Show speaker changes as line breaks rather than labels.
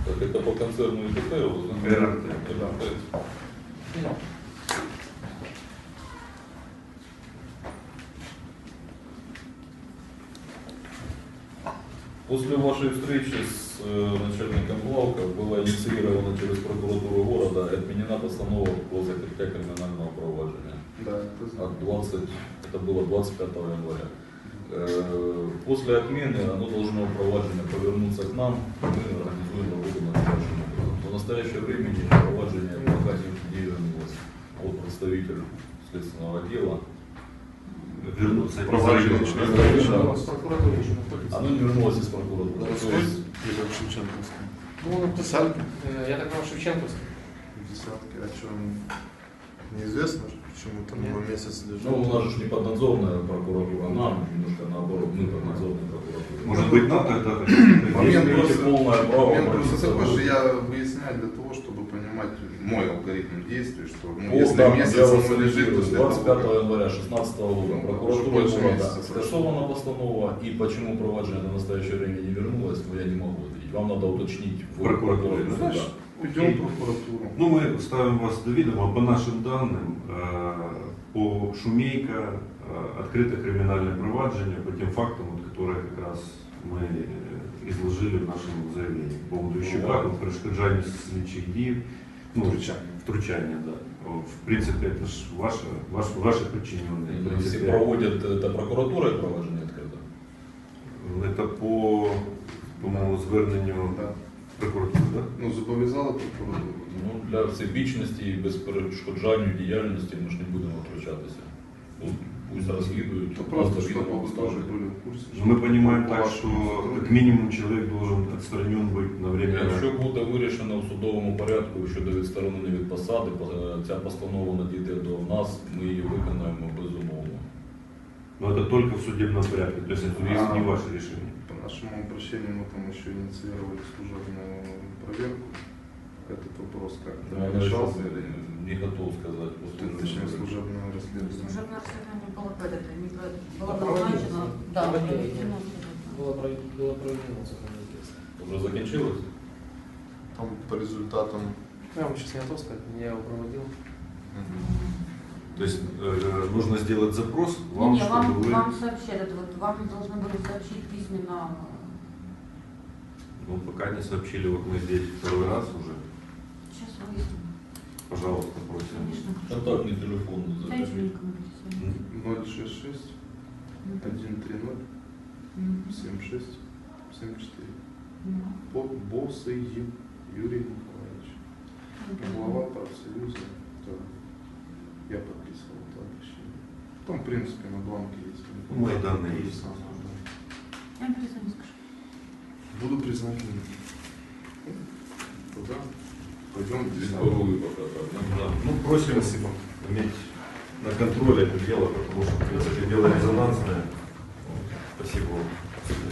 Так это по концерну ИТТ,
РРТ.
После вашей встречи с начальником главка было инициировано через прокуратуру города отменена постанова по закрытию криминального проваджения.
Да,
Это было 25 января. После отмены оно должно проваджение повернуться к нам, мы организуем работу над нашим образом. В настоящее время проваджение пока не вернулось. Вот представитель следственного отдела.
Вернуться
Проваджение
из
Оно не вернулось из прокуратуры.
в Шевченковском.
Ну,
Десятки?
я так понял, Шевченковский.
Десятки. А что, неизвестно, почему там его месяц лежит?
Ну, у нас же не поднадзорная прокуратура, нам немножко наоборот, мы поднадзорная прокуратура.
Может быть, нам тогда
Момент
Имеете полное право
Момент просто
обратиться
такой,
в
что я выясняю для того, чтобы понимать мой алгоритм действий, что ну,
По
если
данным,
месяц
я вас
оно лежит, то
цитирую,
что
25
это
января 2016 года
Ну,
прокуратура
уже больше
города
месяца прошло.
скасована постанова, и почему проваджение до настоящее время не вернулось, но я не могу ответить. Вам надо уточнить в
Прокуратуре,
прокуратуре.
знаешь?
Да.
Идем в прокуратуру.
Ну, мы ставим вас до ведома. По нашим данным, по Шумейка открыто криминальное проваджение по тем фактам, вот, которые как раз мы изложили в нашем заявлении. По поводу Ищука, по перешкоджанию слідчих дій, ну, втручання, да. В принципе, это же ваши подчиненные. В
Если
принципе,
проводят это прокуратура и проваджение открыто.
это по-моему, зверненню
Да.
прокуратури, да?
Ну, зобов'язали прокуратуру.
Ну, для всебічності і безперешкоджанню діяльності ми ж не будемо втручатися. Ну, пусть розслідують,
То просто,
просто
чтобы
відомо
вы
ставлять.
тоже были в курсе.
Мы понимаем
по
так,
вашему
что
сотруднику.
как минимум человек должен отстранен быть на время.
Якщо буде вирішено в судовому порядку щодо відсторонення від посади, ця постанова надійде до нас, ми її виконаємо безумовно.
Но это только в судебном порядке, то есть это не ваше решение.
По нашему обращению мы там еще инициировали служебную проверку. Этот вопрос как
Я
решался или
не готов сказати.
точнее служебное расследование.
Служебное расследование было проведено, не было
Проводимо.
назначено, да,
Проводимо.
проведено.
Было проведено законное действие.
Вже закінчилось?
Там по результатам.
Я вам сейчас не готов сказать, я его проводил.
То есть нужно сделать запрос вам,
Не,
чтобы вы...
вам сообщат, это вот вам должны были сообщить письменно.
Ну, пока не сообщили, вот мы здесь второй раз уже.
Сейчас выясним.
Пожалуйста, просим.
Конечно.
Контактний телефон.
Дайте
закажіть.
мне коммуникацию.
066 130 76 74. Босый Юрий Николаевич. Глава профсоюза. Да. Я подписывал это обращение. Там, в принципе, на бланке есть.
Мои данные есть.
Я вам перезвоню, скажу.
Буду признателен. Туда. Пойдем
Вторую пока так.
Да. Ну, просим
Спасибо.
иметь на контроле это дело, потому что, в принципе, дело резонансное. Спасибо вам.